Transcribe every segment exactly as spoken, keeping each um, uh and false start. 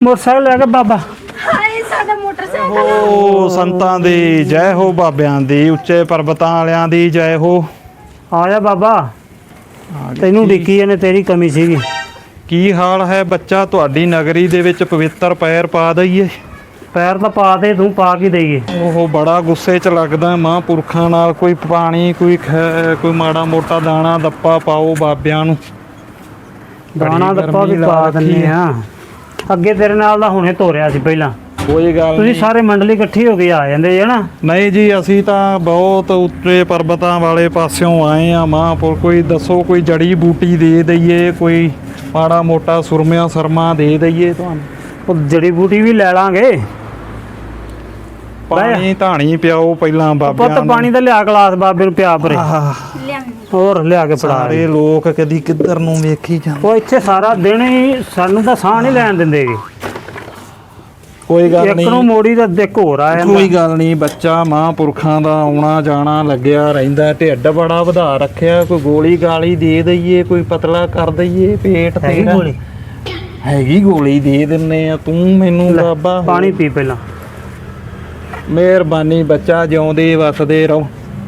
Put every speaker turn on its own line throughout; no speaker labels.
Motorcycle लैके बाबा
ਹਾਏ ਸਾਡਾ ਮੋਟਰਸਾਈਕਲ
ਓ ਸੰਤਾਂ ਦੀ ਜੈ ਹੋ, ਬਾਬਿਆਂ ਦੀ, ਉੱਚੇ ਪਰਬਤਾਂ ਵਾਲਿਆਂ ਦੀ ਜੈ ਹੋ।
आ जा बाबा ਤੈਨੂੰ ਡਿੱਕੀ ਇਹਨੇ ਤੇਰੀ ਕਮੀ ਸੀਗੀ।
ਕੀ ਹਾਲ ਹੈ ਬੱਚਾ? ਤੁਹਾਡੀ ਨਗਰੀ ਦੇ ਵਿੱਚ ਪਵਿੱਤਰ ਪੈਰ ਪਾ ਦਈਏ।
ਪੈਰ ਤਾਂ ਪਾ ਦੇ ਤੂੰ, ਪਾ ਕੇ ਦੇਈਏ।
ਉਹ ਬੜਾ ਗੁੱਸੇ 'ਚ ਲੱਗਦਾ ਮਹਾਂਪੁਰਖਾਂ ਨਾਲ। ਕੋਈ ਪਾਣੀ, ਕੋਈ ਖੈ ਕੋਈ ਮਾੜਾ ਮੋਟਾ ਦਾਣਾ ਦੱਪਾ ਪਾਓ ਬਾਬਿਆਂ ਨੂੰ।
ਦਾਣਾ ਦੱਪਾ ਵੀ ਪਾ ਦਿੰਦੇ ਆ। ਅੱਗੇ ਤੇਰੇ ਨਾਲ ਦਾ ਹੁਣੇ ਤੋਰਿਆ ਸੀ ਪਹਿਲਾਂ।
ਕੋਈ ਗੱਲ
ਤੁਸੀਂ
ਨਹੀਂ।
ਸਾਰੇ ਮੰਡਲੀ ਇਕੱਠੀ ਹੋ ਕੇ ਆ ਜਾਂਦੇ ਜੇ ਨਾ।
ਨਹੀਂ ਜੀ, ਅਸੀਂ ਤਾਂ ਬਹੁਤ ਉੱਚੇ ਪਰਬਤਾਂ ਵਾਲੇ ਪਾਸਿਓਂ ਆਏ ਆ ਮਹਾਂਪੁਰ। ਕੋਈ ਦੱਸੋ, ਕੋਈ ਜੜੀ ਬੂਟੀ ਦੇ ਦਈਏ, ਕੋਈ ਮਾੜਾ ਮੋਟਾ ਸੁਰਮਿਆਂ ਸਰਮਾ ਦੇ ਦਈਏ ਤੁਹਾਨੂੰ।
ਉਹ ਜੜੀ ਬੂਟੀ ਵੀ ਲੈ ਲਾਂਗੇ।
ਪਾਣੀ ਧਾਣੀ ਪਿਆਓ ਪਹਿਲਾਂ ਬਾਬਿਆਂ
ਪੁੱਤ
ਨੂੰ।
ਪਾਣੀ ਦਾ ਲਿਆ ਗਲਾਸ ਬਾਬੇ ਨੂੰ ਪਿਆ ਪਰੇ।
ਆਹ,
ਲਿਆਂਦੀ
ਹੋਰ ਲਿਆ ਕੇ ਫੜਾ।
ਸਾਰੇ ਲੋਕ ਕਦੀ ਕਿੱਧਰ ਨੂੰ ਵੇਖੀ ਜਾਂਦੇ।
ਉਹ ਇੱਥੇ ਸਾਰਾ ਦਿਨ ਹੀ ਸਾਨੂੰ ਤਾਂ ਸਾਹ ਨਹੀਂ ਲੈਣ ਦਿੰਦੇਗੇ।
ਕੋਈ ਗੱਲ
ਇੱਕ ਨੂੰ
ਨਹੀਂ,
ਮੋੜੀ ਦਾ ਦੇਖ ਹੋਰ ਆ ਜਾਂਦਾ।
ਕੋਈ ਗੱਲ ਨਹੀਂ ਬੱਚਾ। ਮਹਾਂਪੁਰਖਾਂ ਦਾ ਆਉਣਾ ਜਾਣਾ ਲੱਗਿਆ ਰਹਿੰਦਾ। ਢਿੱਡ ਬੜਾ ਵਧਾ ਰੱਖਿਆ। ਕੋਈ ਗੋਲੀ ਗਾਲੀ ਦੇ ਦਈਏ, ਕੋਈ ਪਤਲਾ ਕਰ ਦਈਏ ਪੇਟ
ਹੈਗੀ
ਤੇਰਾ।
ਗੋਲੀ?
ਹੈਗੀ ਗੋਲੀ ਦੇ ਦਿੰਨੇ ਆ। ਤੂੰ ਮੈਨੂੰ
ਲੈ,
ਬਾਬਾ
ਪਾਣੀ ਪੀ ਪਹਿਲਾਂ।
ਮਿਹਰਬਾਨੀ ਬੱਚਾ, ਜਿਉਂਦੇ ਵਸਦੇ ਰਹੋ।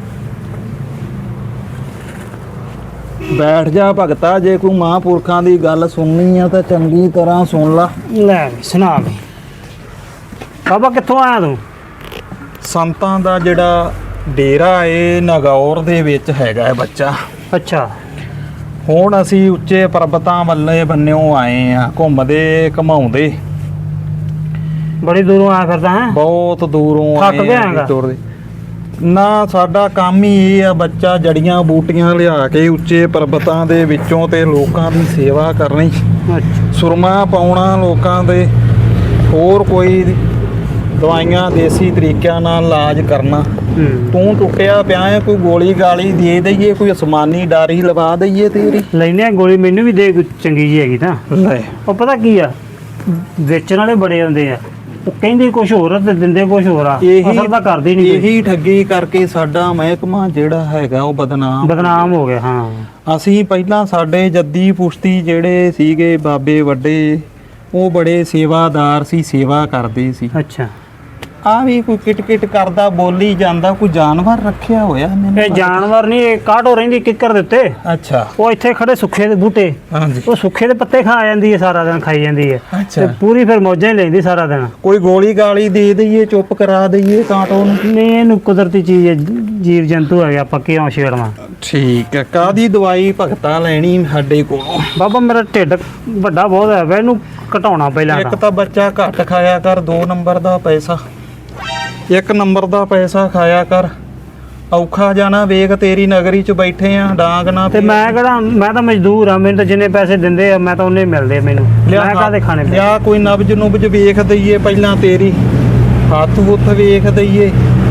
ਬੈਠ ਜਾ ਭਗਤਾ। ਜੇ ਕੋਈ ਮਹਾਂਪੁਰਖਾਂ ਦੀ ਗੱਲ ਸੁਣਨੀ ਆ ਤਾਂ ਚੰਗੀ ਤਰ੍ਹਾਂ ਸੁਣ ਲਾ।
ਲੈ ਵੀ ਸੁਣਾ ਵੀ। ਬਾਬਾ ਕਿੱਥੋਂ ਆਇਆ ਤੂੰ?
ਸੰਤਾਂ ਦਾ ਜਿਹੜਾ ਡੇਰਾ ਏ ਨਗੌਰ ਦੇ ਵਿੱਚ ਹੈਗਾ ਹੈ ਬੱਚਾ।
ਅੱਛਾ।
ਹੁਣ ਅਸੀਂ ਉੱਚੇ ਪਰਬਤਾਂ ਵੱਲੇ ਬੰਨਿਓ ਆਏ ਆ, ਘੁੰਮਦੇ ਘਮਾਉਂਦੇ।
ਬੜੀ ਦੂਰੋਂ ਆਇਆ ਫਿਰਦਾ ਹੈ।
ਬਹੁਤ ਦੂਰੋਂ
ਥੱਕ
ਆਏ
ਗਿਆ
ਆ
ਹੈਗਾ?
ਤੁਰਦੇ। ਨਾ, ਸਾਡਾ ਕੰਮ ਹੀ ਇਹ ਆ ਬੱਚਾ, ਜੜੀਆਂ ਬੂਟੀਆਂ ਲਿਆ ਕੇ ਉੱਚੇ ਪਰਬਤਾਂ ਦੇ ਵਿੱਚੋਂ ਤੇ ਲੋਕਾਂ ਦੀ ਸੇਵਾ ਕਰਨੀ।
ਅੱਛਾ।
ਸੁਰਮਾ ਪਾਉਣਾ ਲੋਕਾਂ ਦੇ, ਹੋਰ ਕੋਈ ਦਵਾਈਆਂ ਦੇਸੀ ਤਰੀਕਿਆਂ ਨਾਲ ਇਲਾਜ ਕਰਨਾ।
ਹੂੰ।
ਤੂੰ ਟੁੱਟਿਆ ਪਿਆ ਹੈ, ਕੋਈ ਗੋਲੀ ਗਾਲੀ ਦੇ ਦਈਏ, ਕੋਈ ਅਸਮਾਨੀ ਡਾਰੀ ਲਵਾ ਦਈਏ ਤੇਰੀ।
ਲੈਨੇ ਆ ਗੋਲੀ, ਮੈਨੂੰ ਵੀ ਦੇ ਕੋਈ ਚੰਗੀ ਜੀ ਹੈਗੀ ਤਾਂ।
ਲੈ,
ਉਹ ਪਤਾ ਕੀ ਆ, ਵੇਚਣ ਵਾਲੇ ਬੜੇ ਹੁੰਦੇ ਆ। ਉਹ ਕਹਿੰਦੇ ਕੁਝ ਹੋਰ ਆ ਤੇ ਦਿੰਦੇ ਕੁਝ ਹੋਰ ਆ। ਅਸਲ ਤਾਂ ਕਰਦੇ ਨਹੀਂ ਕੋਈ।
ਇਹੀ ਠੱਗੀ ਕਰਕੇ ਸਾਡਾ ਮਹਿਕਮਾ ਜਿਹੜਾ ਹੈਗਾ ਉਹ ਬਦਨਾਮ
ਬਦਨਾਮ ਹੋ ਗਿਆ। ਹਾਂ।
ਅਸੀਂ ਪਹਿਲਾਂ ਸਾਡੇ ਜੱਦੀ ਪੁਸ਼ਤੀ ਜਿਹੜੇ ਸੀਗੇ ਬਾਬੇ ਵੱਡੇ, ਉਹ ਬੜੇ ਸੇਵਾਦਾਰ ਸੀ, ਸੇਵਾ ਕਰਦੇ ਸੀ।
ਅੱਛਾ।
ਆ ਵੀ ਕੋਈ ਕਿਟ ਕਿਟ ਕਰਦਾ ਬੋਲੀ ਜਾਂਦਾ। ਕੋਈ ਜਾਨਵਰ ਰੱਖਿਆ ਹੋਇਆ ਮੈਨੂੰ
ਇਹ ਜਾਨਵਰ ਨਹੀਂ, ਇਹ ਕਾਟੋ ਰਹਿੰਦੀ ਕਿੱਕਰ ਦੇ ਉੱਤੇ।
ਅੱਛਾ।
ਉਹ ਇੱਥੇ ਖੜੇ ਸੁੱਖੇ ਦੇ ਬੂਟੇ,
ਹਾਂਜੀ।
ਉਹ ਸੁੱਖੇ ਦੇ ਪੱਤੇ ਖਾ ਜਾਂਦੀ ਹੈ, ਸਾਰਾ ਦਿਨ ਖਾਈ ਜਾਂਦੀ ਹੈ।
ਅੱਛਾ।
ਤੇ ਪੂਰੀ ਫਿਰ ਮੌਜਾਂ ਹੀ ਲੈਂਦੀ ਸਾਰਾ ਦਿਨ।
ਕੋਈ ਗੋਲੀ ਗਾਲੀ ਦੇ ਦਈਏ, ਚੁੱਪ ਕਰਾ ਦਈਏ ਕਾਂਟੋ ਨੂੰ।
ਨਹੀਂ, ਇਹਨੂੰ ਕੁਦਰਤੀ ਚੀਜ਼ ਹੈ, ਜੀਵ ਜੰਤੂ ਹੈਗੇ, ਆਪਾਂ ਕਿਉਂ ਛੇੜਨਾ।
ਠੀਕ ਹੈ। ਕਾਦੀ ਦਵਾਈ ਭਗਤਾ ਲੈਣੀ ਸਾਡੇ ਕੋਲੋਂ?
ਬਾਬਾ ਮੇਰਾ ਢਿੱਡ ਵੱਡਾ ਬਹੁਤ ਹੈ ਵਾ, ਇਹਨੂੰ ਘਟਾਉਣਾ ਪਹਿਲਾਂ
ਇੱਕ
ਤਾਂ।
ਤਾਂ ਬੱਚਾ ਘੱਟ ਖਾਇਆ ਕਰ, ਦੋ ਨੰਬਰ ਦਾ ਪੈਸਾ। ਇੱਕ ਨੰਬਰ ਦਾ ਪੈਸਾ ਖਾਇਆ ਕਰ। ਔਖਾ ਜਾਣਾ ਵੇਖ, ਤੇਰੀ ਨਗਰੀ 'ਚ ਬੈਠੇ ਆ, ਡਾਂਗ ਨਾ
ਤੇ ਮੈਂ ਕਿਹੜਾ, ਮੈਂ ਤਾਂ ਮਜ਼ਦੂਰ ਆ। ਮੈਨੂੰ ਤਾਂ ਜਿੰਨੇ ਪੈਸੇ ਦਿੰਦੇ ਆ ਮੈਂ ਤਾਂ ਉਹਨੇ ਮਿਲਦੇ ਆ ਮੈਨੂੰ। ਮੈਂ ਕਾਹਦੇ ਖਾਣੇ ਪਏ?
ਲਿਆ ਕੋਈ ਨਬਜ ਨੁਬਜ ਵੇਖ ਦਈਏ ਪਹਿਲਾਂ ਤੇਰੀ। ਹੱਥ ਹੁੱਥ ਵੇਖ ਦਈਏ।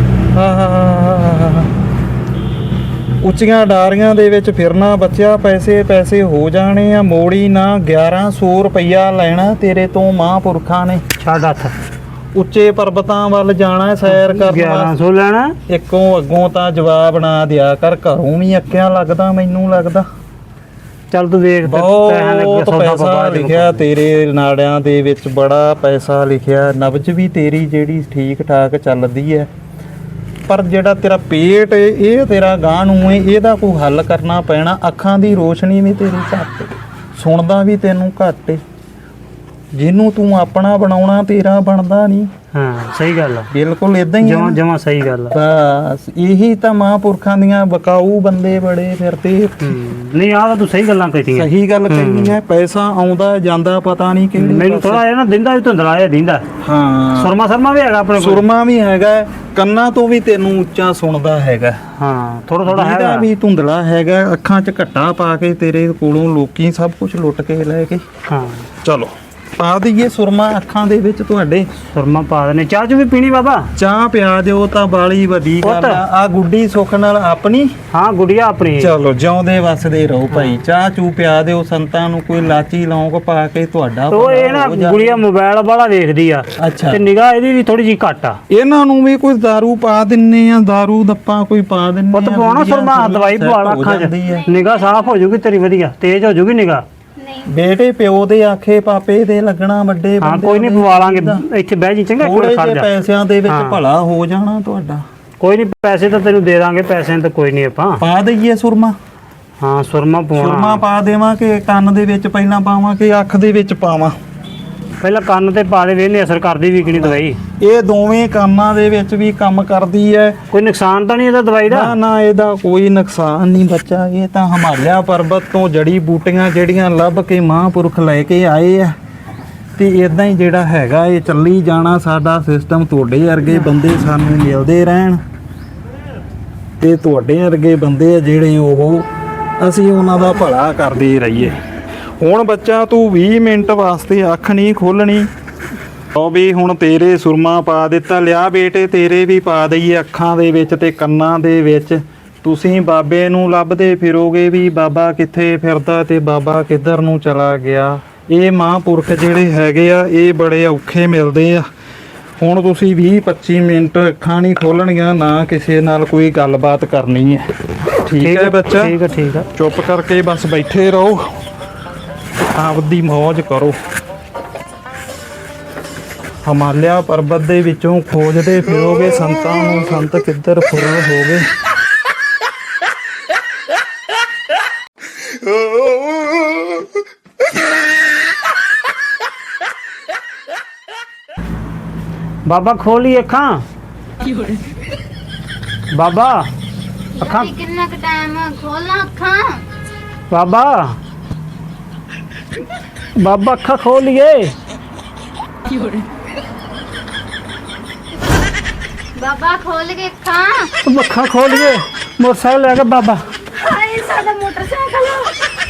ਆਹ, ਉੱਚੀਆਂ ਡਾਰੀਆਂ ਦੇ ਵਿੱਚ ਫਿਰਨਾ ਬੱਚਿਆ, ਪੈਸੇ ਪੈਸੇ ਹੋ ਜਾਣੇ ਆ। ਮੋੜੀ ਨਾ। ਗਿਆਰਾਂ ਸੌ ਰੁਪਈਆ ਲੈਣਾ ਤੇਰੇ ਤੋਂ ਮਹਾਂਪੁਰਖਾਂ ਨੇ।
ਛੱਡ ਹੱਥ।
ਉੱਚੇ ਪਰਬਤਾਂ ਵੱਲ ਜਾਣਾ ਸੈਰ ਕਰਨ
ਗਿਆਰਾਂ ਸੌ ਲੈਣਾ?
ਇੱਕੋਂ ਅੱਗੋਂ ਤਾਂ ਜਵਾਬ ਨਾ ਦਿਆ ਕਰ। ਘਰੋਂ ਵੀ ਅੱਕਿਆ ਲੱਗਦਾ ਮੈਨੂੰ ਲੱਗਦਾ।
ਚੱਲ ਤੂੰ ਦੇਖ।
ਬਹੁਤ ਪੈਸਾ ਲਿਖਿਆ ਤੇਰੇ ਨਾੜਿਆਂ ਦੇ ਵਿੱਚ, ਬੜਾ ਪੈਸਾ ਲਿਖਿਆ। ਨਬਜ ਵੀ ਤੇਰੀ ਜਿਹੜੀ ਠੀਕ ਠਾਕ ਚੱਲਦੀ ਹੈ, ਪਰ ਜਿਹੜਾ ਤੇਰਾ ਪੇਟ ਏ, ਇਹ ਤੇਰਾ ਗਾਂ ਨੂੰ ਏ, ਇਹਦਾ ਕੋਈ ਹੱਲ ਕਰਨਾ ਪੈਣਾ। ਅੱਖਾਂ ਦੀ ਰੋਸ਼ਨੀ ਵੀ ਤੇਰੀ ਘੱਟ, ਸੁਣਦਾ ਵੀ ਤੈਨੂੰ ਘੱਟ ਏ। ਜਿਹਨੂੰ ਤੂੰ ਆਪਣਾ ਬਣਾਉਣਾ ਤੇਰਾ ਬਣਦਾ ਨਹੀਂ।
ਹਾਂ, ਸਹੀ ਗੱਲ ਆ।
ਬਿਲਕੁਲ ਇਦਾਂ ਹੀ
ਜਮਾ ਜਮਾ ਸਹੀ ਗੱਲ ਆ।
ਬਸ ਇਹੀ ਤਾਂ ਮਹਾਂਪੁਰਖਾਂ ਦੀਆਂ ਬਕਾਊ ਬੰਦੇ ਬੜੇ ਫਿਰਦੇ।
ਨਹੀਂ, ਆਹ ਤਾਂ ਤੂੰ ਸਹੀ ਗੱਲਾਂ ਕਹੀਆਂ।
ਸਹੀ ਗੱਲ ਕਹੀ ਹੈ। ਪੈਸਾ ਆਉਂਦਾ ਜਾਂਦਾ ਪਤਾ ਨਹੀਂ ਕਿਹੜੇ
ਮੈਨੂੰ ਥੋੜਾ ਜਿਹਾ ਨਾ ਦਿੰਦਾ ਵੀ ਧੁੰਦਲਾ ਜਿਹਾ ਦਿੰਦਾ।
ਹਾਂ।
ਸੁਰਮਾ ਸਰਮਾ ਵੀ ਹੈਗਾ ਆਪਣੇ ਕੋਲ।
ਸੁਰਮਾ ਵੀ ਹੈਗਾ, ਕੰਨਾਂ ਤੋਂ ਵੀ ਤੈਨੂੰ ਉੱਚਾ ਸੁਣਦਾ ਹੈਗਾ।
ਹਾਂ, ਥੋੜਾ ਥੋੜਾ
ਇਹਦਾ
ਹੈਗਾ
ਵੀ ਧੁੰਦਲਾ ਹੈਗਾ। ਅੱਖਾਂ 'ਚ ਘੱਟਾ ਪਾ ਕੇ ਤੇਰੇ ਕੋਲੋਂ ਲੋਕੀ ਸਭ ਕੁਝ ਲੁੱਟ ਕੇ ਲੈ ਕੇ।
ਹਾਂ।
ਚਲੋ ਪਾ ਦਈਏ ਸੁਰਮਾ ਅੱਖਾਂ ਦੇ ਵਿੱਚ ਤੁਹਾਡੇ।
ਸੁਰਮਾ ਪਾ ਦੇਣੇ। ਚਾਹ ਚ ਵੀ ਪੀਣੀ ਬਾਬਾ?
ਚਾਹ ਪਿਆ ਦਿਓ ਤਾਂ ਬਾਲੀ ਵੱਡੀ ਗੱਲ ਆ। ਆ ਗੁੱਡੀ ਸੁੱਖ ਨਾਲ ਆਪਣੀ।
ਹਾਂ, ਗੁੜੀਆ ਆਪਣੀ।
ਚਲੋ ਜਿਉਂਦੇ ਵਸਦੇ ਰਹੋ ਭਾਈ। ਚਾਹ ਚੂ ਪਿਆ ਦਿਓ ਸੰਤਾਂ ਨੂੰ। ਕੋਈ ਲਾਚੀ ਲੌਂਗ ਪਾ ਕੇ ਤੁਹਾਡਾ
ਉਹ ਇਹ ਨਾ ਗੁੜੀਆ ਮੋਬਾਈਲ ਵਾਲਾ ਦੇਖਦੀ ਆ।
ਅੱਛਾ।
ਤੇ ਨਿਗਾਹ ਇਹਦੀ ਵੀ ਥੋੜੀ ਜੀ ਘੱਟ ਆ।
ਇਹਨਾਂ ਨੂੰ ਵੀ ਕੋਈ ਦਾਰੂ ਪਾ ਦਿੰਨੇ ਆ, ਦਾਰੂ ਦੱਪਾ ਕੋਈ ਪਾ ਦਿੰਨੇ ਆ।
ਪੁੱਤ ਪਾਉਣਾ ਸੁਰਮਾ, ਦਵਾਈ ਪਵਾ ਲਾ ਅੱਖਾਂ 'ਚ, ਨਿਗਾਹ ਸਾਫ਼ ਹੋ ਜੂਗੀ ਤੇਰੀ, ਵਧੀਆ ਤੇਜ਼ ਹੋ ਜੂਗੀ ਨਿਗਾਹ।
ਨਹੀਂ
ਬੇਟੇ ਪਿਓ ਦੇ ਆਖੇ ਪਾਪੇ ਦੇ ਲੱਗਣਾ ਵੱਡੇ
ਹਾਂ
ਬੰਦੇ
ਕੋਈ ਨਹੀਂ ਪਵਾ ਲਾਂਗੇ ਇੱਥੇ ਬਹਿ ਜੀ ਚੰਗਾ,
ਥੋੜੇ
ਕੋਈ ਖੜ
ਜਿਹੇ
ਜਾ।
ਪੈਸਿਆਂ ਦੇ ਵਿੱਚ
ਹਾਂ।
ਭਲਾ ਹੋ ਜਾਣਾ ਤੁਹਾਡਾ।
ਕੋਈ ਨਹੀਂ ਪੈਸੇ ਤਾਂ ਤੈਨੂੰ ਦੇ ਦਾਂਗੇ, ਪੈਸੇ ਤਾਂ ਕੋਈ ਨਹੀਂ ਆਪਾਂ।
ਪਾ ਦਈਏ ਸੁਰਮਾ?
ਹਾਂ ਸੁਰਮਾ
ਸੁਰਮਾ
ਪਵਾਉਣਾ।
ਪਾ ਦੇਵਾਂ ਕਿ ਕੰਨ ਦੇ ਵਿੱਚ ਪਹਿਲਾਂ ਪਾਵਾਂ ਕਿ ਅੱਖ ਦੇ ਵਿੱਚ ਪਾਵਾਂ?
ਪਹਿਲਾਂ ਕੰਨ ਤੇ ਪਾ ਦੇ, ਵੇਖਨੇ ਅਸਰ ਕਰਦੀ ਵੀ ਕਿ ਨਹੀਂ ਦਵਾਈ।
ਇਹ ਦੋਵੇਂ ਕੰਨਾਂ ਦੇ ਵਿੱਚ ਵੀ ਕੰਮ ਕਰਦੀ ਹੈ।
ਕੋਈ ਨੁਕਸਾਨ ਤਾਂ ਨਹੀਂ ਇਹਦਾ ਦਵਾਈ ਦਾ?
ਨਾ ਨਾ ਇਹਦਾ ਕੋਈ ਨੁਕਸਾਨ ਨਹੀਂ ਬੱਚਾ। ਇਹ ਤਾਂ ਹਿਮਾਲਿਆ ਪਰਬਤ ਤੋਂ ਜੜੀ ਬੂਟੀਆਂ ਜਿਹੜੀਆਂ ਲੱਭ ਕੇ ਮਹਾਂਪੁਰਖ ਲੈ ਕੇ ਆਏ ਆ, ਤੇ ਇਦਾਂ ਹੀ ਜਿਹੜਾ ਹੈਗਾ ਇਹ ਚੱਲੀ ਜਾਣਾ ਸਾਡਾ ਸਿਸਟਮ। ਤੁਹਾਡੇ ਵਰਗੇ ਬੰਦੇ ਸਾਨੂੰ ਮਿਲਦੇ ਰਹਿਣ, ਤੇ ਤੁਹਾਡੇ ਵਰਗੇ ਬੰਦੇ ਆ ਜਿਹੜੇ ਉਹ ਅਸੀਂ ਉਹਨਾਂ ਦਾ ਭਲਾ ਕਰਦੇ ਰਹੀਏ। ਹੁਣ ਬੱਚਾ ਤੂੰ ਵੀਹ ਮਿੰਟ ਵਾਸਤੇ ਅੱਖ ਨਹੀਂ ਖੋਲਣੀ। ਉਹ ਵੀ ਹੁਣ ਤੇਰੇ ਸੁਰਮਾ ਪਾ ਦਿੱਤਾ। ਲਿਆ ਬੇਟੇ ਤੇਰੇ ਵੀ ਪਾ ਦਈਏ ਅੱਖਾਂ ਦੇ ਵਿੱਚ ਤੇ ਕੰਨਾਂ ਦੇ ਵਿੱਚ। ਤੁਸੀਂ ਬਾਬੇ ਨੂੰ ਲੱਭਦੇ ਫਿਰੋਗੇ ਵੀ ਬਾਬਾ ਕਿੱਥੇ ਫਿਰਦਾ ਤੇ ਬਾਬਾ ਕਿੱਧਰ ਨੂੰ ਚਲਾ ਗਿਆ। ਇਹ ਮਹਾਂਪੁਰਖ ਜਿਹੜੇ ਹੈਗੇ ਆ ਇਹ ਬੜੇ ਔਖੇ ਮਿਲਦੇ ਆ। ਹੁਣ ਤੁਸੀਂ ਵੀਹ ਪੱਚੀ ਮਿੰਟ ਅੱਖਾਂ ਨਹੀਂ ਖੋਲਣੀਆਂ, ਨਾ ਕਿਸੇ ਨਾਲ ਕੋਈ ਗੱਲਬਾਤ ਕਰਨੀ ਹੈ। ਠੀਕ ਹੈ ਬੱਚਾ?
ਠੀਕ ਹੈ ਠੀਕ ਹੈ।
ਚੁੱਪ ਕਰਕੇ ਬਸ ਬੈਠੇ ਰਹੋ, ਆਪਦੀ ਮੌਜ ਕਰੋ। ਹਿਮਾਲਿਆ ਪਰਬਤ ਦੇ ਵਿੱਚੋਂ ਖੋਜਦੇ ਫਿਰੋਗੇ ਸੰਤਾਂ ਨੂੰ, ਸੰਤ ਕਿੱਧਰ ਫੁਰ ਹੋ ਗਏ।
ਬਾਬਾ ਖੋਲੀ ਅੱਖਾਂ। ਬਾਬਾ ਅੱਖਾਂ,
ਕਿੰਨਾ ਕੁ ਟਾਈਮ ਖੋਲਾਂ ਅੱਖਾਂ?
ਬਾਬਾ ਬਾਬਾ ਅੱਖਾਂ ਖੋਲੀਏ।
ਬਾਬਾ ਖੋਲ ਕੇ ਅੱਖਾਂ।
ਅੱਖਾਂ ਖੋਲੀਏ, ਮੋਟਰਸਾਈਕਲ ਲੈ ਕੇ ਬਾਬਾ।
ਹਾਏ ਸਾਡਾ ਮੋਟਰਸਾਈਕਲ।